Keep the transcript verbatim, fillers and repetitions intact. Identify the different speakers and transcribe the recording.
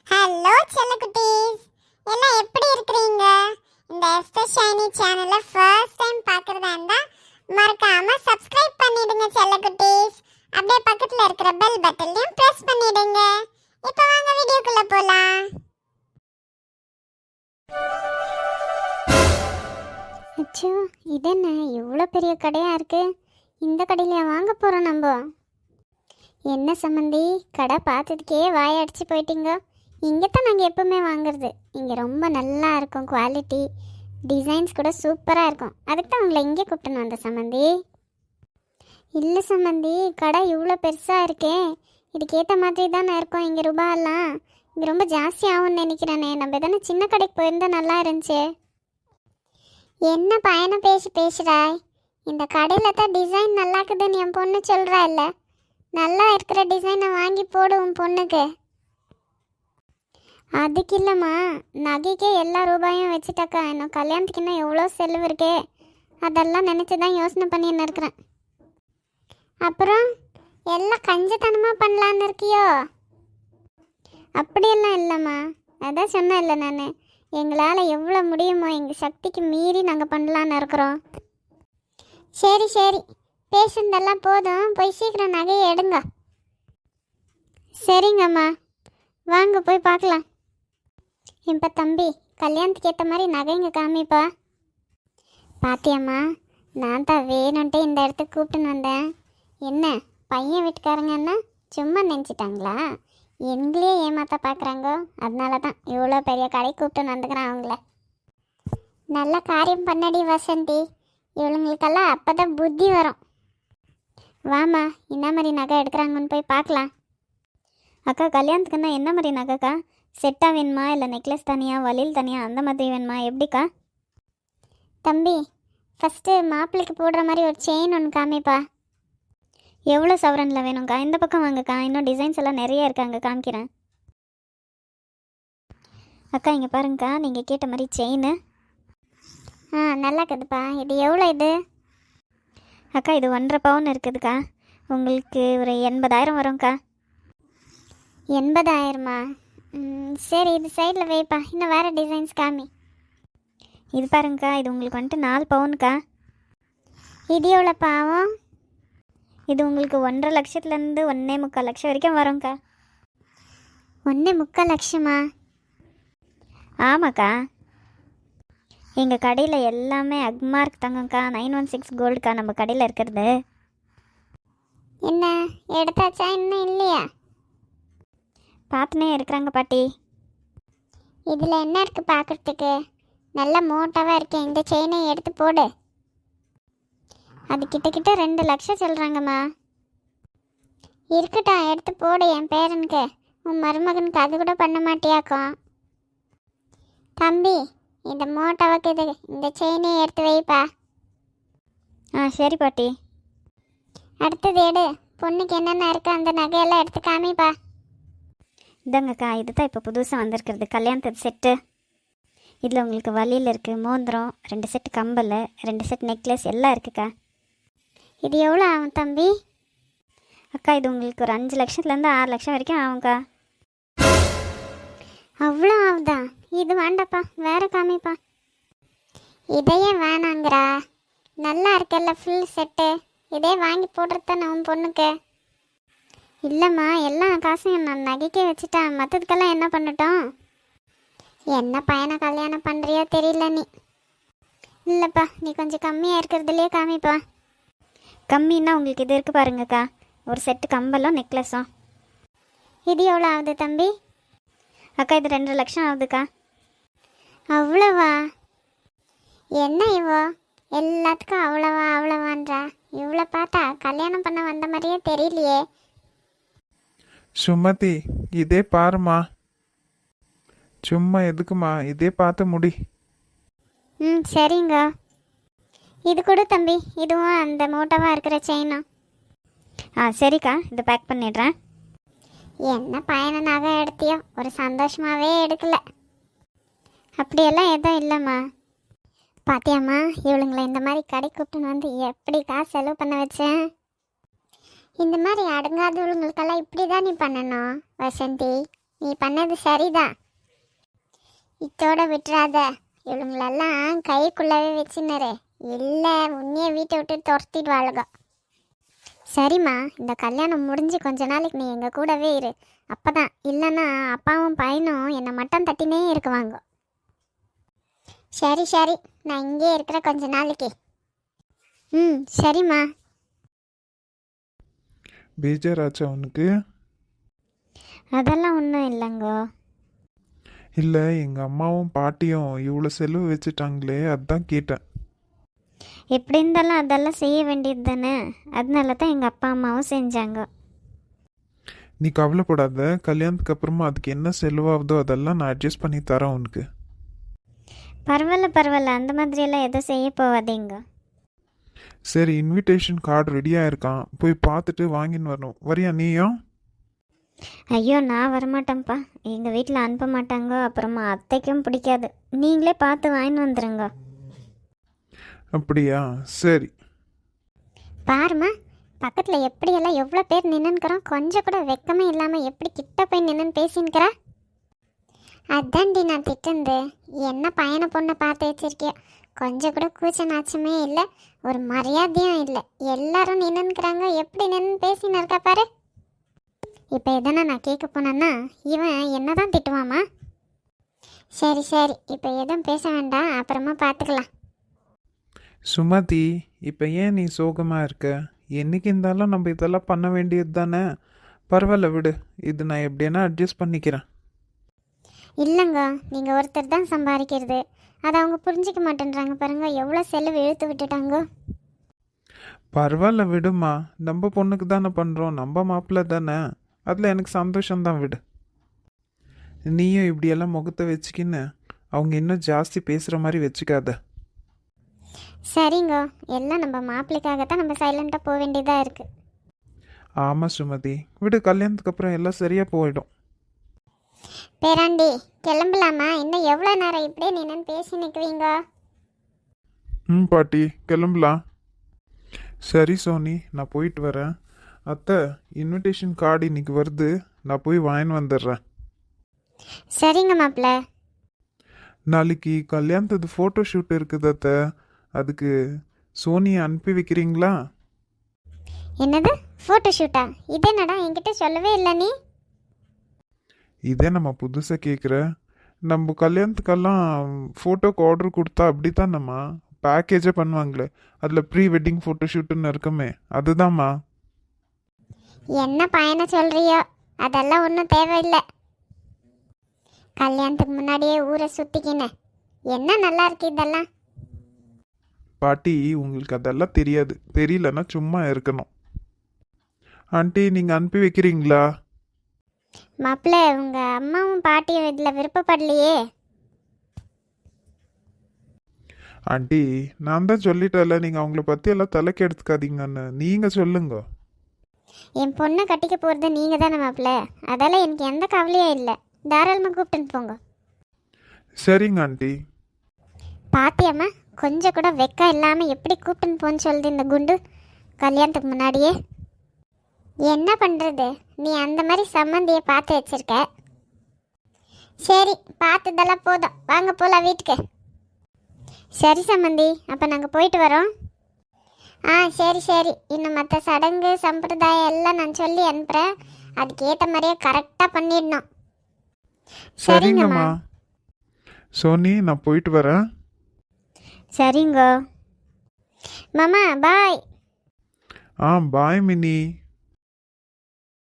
Speaker 1: Hello செல்லக்குட்டீஸ், எல்லாம் எப்படி இருக்கிறீங்க? இந்த எஸ்தர் ஷைனி சேனலை ஃபர்ஸ்ட் டைம் பார்க்குறதா இருந்தால் மறக்காம சப்ஸ்கிரைப் பண்ணிடுங்க செல்லக்குட்டீஸ். அப்படியே பக்கத்தில் இருக்கிற பெல் பட்டனையும் ப்ரெஸ் பண்ணிடுங்க. இப்போ வாங்க வீடியோக்குள்ளே போகலாம். அச்சோ, இது என்ன இவ்வளோ பெரிய கடையாக இருக்குது? இந்த கடையிலையா வாங்க போகிறோம் நம்ம? என்ன சம்மந்தி, கடை பார்த்ததுக்கே வாயடிச்சு போயிட்டீங்க. இங்கே தான் நாங்கள் எப்போவுமே வாங்குறது. இங்கே ரொம்ப நல்லா இருக்கும், குவாலிட்டி டிசைன்ஸ் கூட சூப்பராக இருக்கும். அதுக்கு தான் உங்களை இங்கே கூப்பிட்டுன்னு வந்த சம்மந்தி. இல்லை சம்மந்தி, கடை இவ்வளோ பெருசாக இருக்கே, இதுக்கேற்ற மாதிரி தானே இருக்கும். இங்கே ரூபாயெல்லாம் இங்கே ரொம்ப ஜாஸ்தி ஆகும்னு நினைக்கிறேனே. நம்ம தானே சின்ன கடைக்கு போயிருந்தால் நல்லா இருந்துச்சு. என்ன பயணம் பேசி பேசுகிறாய்? இந்த கடையில் தான் டிசைன் நல்லா இருக்குதுன்னு என் பொண்ணு சொல்கிறா. இல்லை, நல்லா இருக்கிற டிசைனை வாங்கி போடுவோம் பொண்ணுக்கு. அதுக்கு இல்லைம்மா, நகைக்கே எல்லா ரூபாயும் வச்சுட்டாக்கா இன்னும் கல்யாணத்துக்கு இன்னும் எவ்வளோ செலவு இருக்கே, அதெல்லாம் நினச்சி தான் யோசனை பண்ணின்னு இருக்கிறேன். அப்புறம் எல்லாம் கஞ்சத்தனமாக பண்ணலான்னு இருக்கியோ? அப்படியெல்லாம் இல்லைம்மா, அதான் சொன்னேன் இல்லை நான், எங்களால் எவ்வளோ முடியுமோ எங்கள் சக்திக்கு மீறி நாங்கள் பண்ணலான்னு இருக்கிறோம். சரி சரி, பேசுனதெல்லாம் போதும், போய் சீக்கிரம் நகையை எடுங்க. சரிங்கம்மா, வாங்க போய் பார்க்கலாம். இப்போ தம்பி, கல்யாணத்துக்கு ஏற்ற மாதிரி நகைங்க காமிப்பா. பாத்தியம்மா, நான் தான் வேணுன்ட்டு இந்த இடத்துக்கு கூப்பிட்டுன்னு வந்தேன். என்ன பையன் வீட்டுக்காரங்கன்னா சும்மா நினச்சிட்டாங்களா? எங்களையே ஏமாத்த பார்க்குறாங்க. அதனால தான் இவ்வளோ பெரிய கடை கூப்பிட்டுன்னு வந்துக்கிறேன் அவங்கள. நல்ல காரியம் பண்ணடி வசந்தி, இவளுங்களுக்கெல்லாம் அப்போ தான் புத்தி வரும். வாமா, என்ன மாதிரி நகை எடுக்கிறாங்கன்னு போய் பார்க்கலாம்.
Speaker 2: அக்கா, கல்யாணத்துக்குன்னா என்ன மாதிரி நகைக்கா? செட்டாக வேணுமா, இல்லை நெக்லஸ் தனியாக, வளையல் தனியாக, அந்த மாதிரி வேணுமா, எப்படிக்கா?
Speaker 1: தம்பி, ஃபஸ்ட்டு மாப்பிள்ளைக்கு போடுற மாதிரி ஒரு செயின் ஒன்று காமிப்பா.
Speaker 2: எவ்வளோ சவரனில் வேணும்க்கா? இந்த பக்கம் வாங்கக்கா, இன்னும் டிசைன்ஸ் எல்லாம் நிறைய இருக்காங்க, காமிக்கிறேன். அக்கா இங்கே பாருங்கக்கா, நீங்கள் கேட்ட மாதிரி செயின்.
Speaker 1: ஆ, நல்லா இருக்குதுப்பா. இது எவ்வளோ இது?
Speaker 2: அக்கா இது ஒன்றரை பவுன் இருக்குதுக்கா. உங்களுக்கு ஒரு எண்பதாயிரம் வரும்க்கா.
Speaker 1: எண்பதாயிரமா? சரி, இது சைடில் வைப்பா. இன்னும் வேறு டிசைன்ஸ் காமி.
Speaker 2: இது பாருங்கக்கா, இது உங்களுக்கு வந்துட்டு நாலு பவுனுக்கா.
Speaker 1: இது எவ்வளோ பாவம்?
Speaker 2: இது உங்களுக்கு ஒன்றரை லட்சத்துலேருந்து ஒன்றே முக்கால் லட்சம் வரைக்கும் வரும்க்கா.
Speaker 1: ஒன்றே முக்கால் லட்சமா?
Speaker 2: ஆமாக்கா, எங்கள் கடையில் எல்லாமே அக்மார்க் தங்கம்க்கா. நைன் ஒன் சிக்ஸ் கோல்டுக்கா நம்ம கடையில் இருக்கிறது.
Speaker 1: என்ன எடுத்தாச்சா? இன்னும் இல்லையா?
Speaker 2: பார்த்துனே இருக்கிறாங்க பாட்டி.
Speaker 1: இதில் என்ன இருக்குது பார்க்குறதுக்கு? நல்ல மோட்டாவாக இருக்கேன். இந்த செயினை எடுத்து போடு. அது கிட்டக்கிட்ட ரெண்டு லட்சம் சொல்கிறாங்கம்மா. இருக்கட்டும், எடுத்து போடு. என் பேரனுக்கு, உன் மருமகனுக்கு அது கூட பண்ண மாட்டியாக்கும். தம்பி, இந்த மோட்டாவுக்கு இது இந்த செயினை எடுத்து வைப்பா.
Speaker 2: ஆ சரி பாட்டி.
Speaker 1: அடுத்தது எடு. பொண்ணுக்கு என்னென்ன இருக்குது அந்த நகையெல்லாம் எடுத்து காமிப்பா.
Speaker 2: இதாங்கக்கா, இது தான் இப்போ புதுசாக வந்திருக்கிறது கல்யாணத்து செட்டு. இதில் உங்களுக்கு வளையல் இருக்குது, மோதிரம், ரெண்டு செட்டு கம்பல், ரெண்டு செட் நெக்லஸ் எல்லாம் இருக்குக்கா.
Speaker 1: இது எவ்வளோ ஆகும் தம்பி?
Speaker 2: அக்கா இது உங்களுக்கு ஒரு அஞ்சு லட்சத்துலேருந்து ஆறு லட்சம் வரைக்கும் ஆகும்க்கா.
Speaker 1: அவ்வளோ ஆகுதா? இது வேண்டாப்பா, வேற காமிப்பா. இதையே வேணாங்கிறா? நல்லா இருக்கல்ல ஃபுல் செட்டு, இதே வாங்கி போடுறது உன் பொண்ணுக்கு. இல்லைம்மா, எல்லா காசையும் நான் நகைக்கே வச்சுட்டேன். மற்றதுக்கெல்லாம் என்ன பண்ணட்டும்? என்ன பையனை கல்யாணம் பண்ணுறியோ தெரியல நீ. இல்லைப்பா, நீ கொஞ்சம் கம்மியாக இருக்கிறதுலையே காமிப்பா.
Speaker 2: கம்மின்னா உங்களுக்கு இது இருக்குது பாருங்கக்கா, ஒரு செட்டு கம்பலும் நெக்லஸும்.
Speaker 1: இது எவ்வளோ ஆகுது தம்பி?
Speaker 2: அக்கா இது ரெண்டு லட்சம் ஆகுதுக்கா.
Speaker 1: அவ்வளோவா? என்ன இவோ எல்லாத்துக்கும் அவ்வளோவா அவ்வளோவான்றா? இவ்வளோ பார்த்தா கல்யாணம் பண்ண வந்த மாதிரியே தெரியலையே.
Speaker 3: சுமதி, இதே பாருமா. சும்மா எதுக்குமா, இதே பார்த்து முடி.
Speaker 1: ம் சரிங்க. இது கொடு தம்பி, இதுவும் அந்த மோட்டோவாக இருக்கிற செயினும்.
Speaker 2: ஆ சரிக்கா, இதை பேக் பண்ணிடுறேன்.
Speaker 1: என்ன பையனை நகை எடுத்தியோ, ஒரு சந்தோஷமாகவே எடுக்கல. அப்படியெல்லாம் எதுவும் இல்லைம்மா. பாத்தியாம்மா, இவளுங்களை இந்த மாதிரி கடை கூப்பிட்டுன்னு வந்து எப்படி காசு செலவு பண்ண வச்சேன். இந்த மாதிரி அடங்காதவங்களுக்கெல்லாம் இப்படி தான் நீ பண்ணணும் வசந்தி. நீ பண்ணது சரிதான். இத்தோட விட்டுறாத. இவங்களெல்லாம் கைக்குள்ளவே வச்சுனரு. இல்லை உன்னைய வீட்டை விட்டு துரத்திடுவாளுக. சரிம்மா, இந்த கல்யாணம் முடிஞ்சு கொஞ்ச நாளைக்கு நீ எங்கள் கூடவே இரு. அப்பதான் இல்லைன்னா அப்பாவும் பையனும் என்னை மட்டம் தட்டினே இருக்குவாங்க. சரி சரி, நான் இங்கே இருக்கிற கொஞ்ச நாளைக்கு. ம் சரிம்மா.
Speaker 3: பேஜாராச்சா உனக்கு?
Speaker 2: அதெல்லாம் ஒன்றும் இல்லைங்கோ.
Speaker 3: இல்லை, எங்கள் அம்மாவும் பாட்டியும் இவ்வளோ செலவு வச்சுட்டாங்களே, அதான் கேட்டேன்.
Speaker 2: எப்படி இருந்தாலும் அதெல்லாம் செய்ய வேண்டியது தானே. அதனால தான் எங்கள் அப்பா அம்மாவும் செஞ்சாங்க.
Speaker 3: நீ கவலைப்படாத, கல்யாணத்துக்கு அப்புறமா அதுக்கு என்ன செலவாகுதோ அதெல்லாம் நான் அட்ஜஸ்ட் பண்ணி தரேன் உனக்கு.
Speaker 2: பரவாயில்ல பரவாயில்ல, அந்த மாதிரியெல்லாம் எதுவும் செய்ய போகாதீங்க.
Speaker 3: சரி, இன்விடேஷன் கார்டு ரெடியாக இருக்கான், போய் பார்த்துட்டு வாங்கின்னு வரணும். வரியா நீயும்?
Speaker 2: ஐயோ, நான் வரமாட்டேன்ப்பா. எங்கள் வீட்டில் அனுப்ப மாட்டாங்க. அப்புறமா அத்தைக்கும் பிடிக்காது. நீங்களே பார்த்து வாங்கின்னு வந்துடுங்க.
Speaker 3: அப்படியா? சரி.
Speaker 1: பாருமா, பக்கத்தில் எப்படியெல்லாம் எவ்வளோ பேர் நின்னுக்கிறோம். கொஞ்சம் கூட வெக்கமே இல்லாமல் எப்படி கிட்ட போய் நின்னு பேசின்னுக்கிறா. அதான்டி நான் திட்டுந்து. என்ன பையனை பொண்ணை பார்த்து வச்சிருக்கியோ, கொஞ்சம் கூட கூச்ச நாச்சமே இல்லை, ஒரு மரியாதையும் இல்லை. எல்லாரும் நின்னுக்கிறாங்க, எப்படி நின்று பேசின்னு இருக்கா பாரு. இப்போ எதனா நான் கேட்க போனேன்னா இவன் என்ன தான் திட்டுவாமா. சரி சரி, இப்போ எதுவும் பேச வேண்டாம், அப்புறமா பார்த்துக்கலாம்.
Speaker 3: சுமதி, இப்போ ஏன் நீ சோகமாக இருக்க? என்னைக்கு இருந்தாலும் நம்ம இதெல்லாம் பண்ண வேண்டியது தானே. பரவாயில்ல விடு, இது நான் எப்படின்னா அட்ஜஸ்ட் பண்ணிக்கிறேன்.
Speaker 1: இல்லைங்க, நீங்கள் ஒருத்தர் தான் சம்பாதிக்கிறது, அதை அவங்க புரிஞ்சிக்க மாட்டேன்றாங்க பாருங்க. எவ்வளோ செலவு இழுத்து விட்டுட்டாங்க.
Speaker 3: பரவாயில்ல விடுமா, நம்ம பொண்ணுக்கு தானே பண்ணுறோம், நம்ம மாப்பிள்ளை தானே, அதில் எனக்கு சந்தோஷம்தான், விடு. நீயும் இப்படியெல்லாம் முகத்தை வச்சுக்கின்னு அவங்க இன்னும் ஜாஸ்தி பேசுகிற மாதிரி வச்சுக்காத.
Speaker 1: சரிங்க, எல்லாம் நம்ம மாப்பிள்ளைக்காகத்தான் நம்ம சைலண்ட்டாக போக வேண்டியதாக இருக்குது.
Speaker 3: ஆமாம் சுமதி, விடு, கல்யாணத்துக்கு அப்புறம் எல்லாம் சரியாக போயிடும்.
Speaker 1: பேராண்டி, கிளம்பலாமா? இன்னும் எவ்வளோ நேரம் இப்படியே நின்னு பேசி நிற்குவீங்க?
Speaker 3: ம் பாட்டி, கிளம்பலாம். சரி சோனி, நான் போயிட்டு வரேன். அத்தை, இன்விடேஷன் கார்டு இன்னைக்கு வருது, நான் போய் வாங்கின்னு வந்துடுறேன்.
Speaker 1: சரிங்க மாப்பிள்ள.
Speaker 3: நாளைக்கு கல்யாணத்துக்கு ஃபோட்டோ ஷூட் இருக்குது அத்தை, அதுக்கு சோனியை அனுப்பி வைக்கிறீங்களா?
Speaker 1: என்னது ஃபோட்டோ ஷூட்டா? இது என்னடா என்கிட்ட சொல்லவே இல்லை நீ?
Speaker 3: இதே நம்ம புதுசாக கேட்குற. நம்ம கல்யாணத்துக்கெல்லாம் ஃபோட்டோக்கு ஆர்டர் கொடுத்தா அப்படி தானம்மா பேக்கேஜே பண்ணுவாங்களே, அதில் ப்ரீ வெட்டிங் ஃபோட்டோ ஷூட்டுன்னு இருக்குமே, அதுதாம்மா.
Speaker 1: என்ன பையனை சொல்றியோ, அதெல்லாம் ஒன்றும் தேவையில்லை. கல்யாணத்துக்கு முன்னாடியே ஊரை சுற்றிக்கினேன். என்ன நல்லா இருக்கு இதெல்லாம்.
Speaker 3: பாட்டி, உங்களுக்கு அதெல்லாம் தெரியாது, தெரியலன்னா சும்மா இருக்கணும். ஆண்டி, நீங்கள் அனுப்பி வைக்கிறீங்களா?
Speaker 1: மாப்பிள்ள, உங்கள் அம்மாவும் பாட்டியும் இதில் விருப்பப்படலையே.
Speaker 3: ஆண்டி, நான் தான் சொல்லிட்டேன்ல, நீங்கள் அவங்கள பற்றி எல்லாம் தலைக்கு எடுத்துக்காதீங்கன்னு. நீங்கள் சொல்லுங்க.
Speaker 1: என் பொண்ணை கட்டிக்க போகிறது நீங்கள் தானே மாப்பிள்ள, அதெல்லாம் எனக்கு எந்த கவலையும் இல்லை. தாராளமாக கூப்பிட்டுன்னு போங்க.
Speaker 3: சரிங்க ஆண்டி.
Speaker 1: பாத்தியம்மா, கொஞ்சம் கூட வெக்கம் இல்லாமல் எப்படி கூப்பிட்டுன்னு போன்னு சொல்லுது இந்த குண்டு கல்யாணத்துக்கு முன்னாடியே. என்ன பண்ணுறது, நீ அந்த மாதிரி சம்மந்தியை பார்த்து வச்சிருக்க. சரி, பார்த்ததெல்லாம் போதும், வாங்க போகலாம் வீட்டுக்கு. சரி சம்மந்தி, அப்போ நாங்கள் போயிட்டு வரோம். ஆ சரி சரி, இன்னும் மற்ற சடங்கு சம்பிரதாயம் எல்லாம் நான் சொல்லி அனுப்புகிறேன். அதுக்கேற்ற மாதிரியே கரெக்டாக பண்ணிடணும்.
Speaker 3: சரிங்கம்மா. சோனி, நான் போயிட்டு வரேன்.
Speaker 2: சரிங்க
Speaker 1: மாமா, பாய்.
Speaker 3: ஆ பாய் மினி.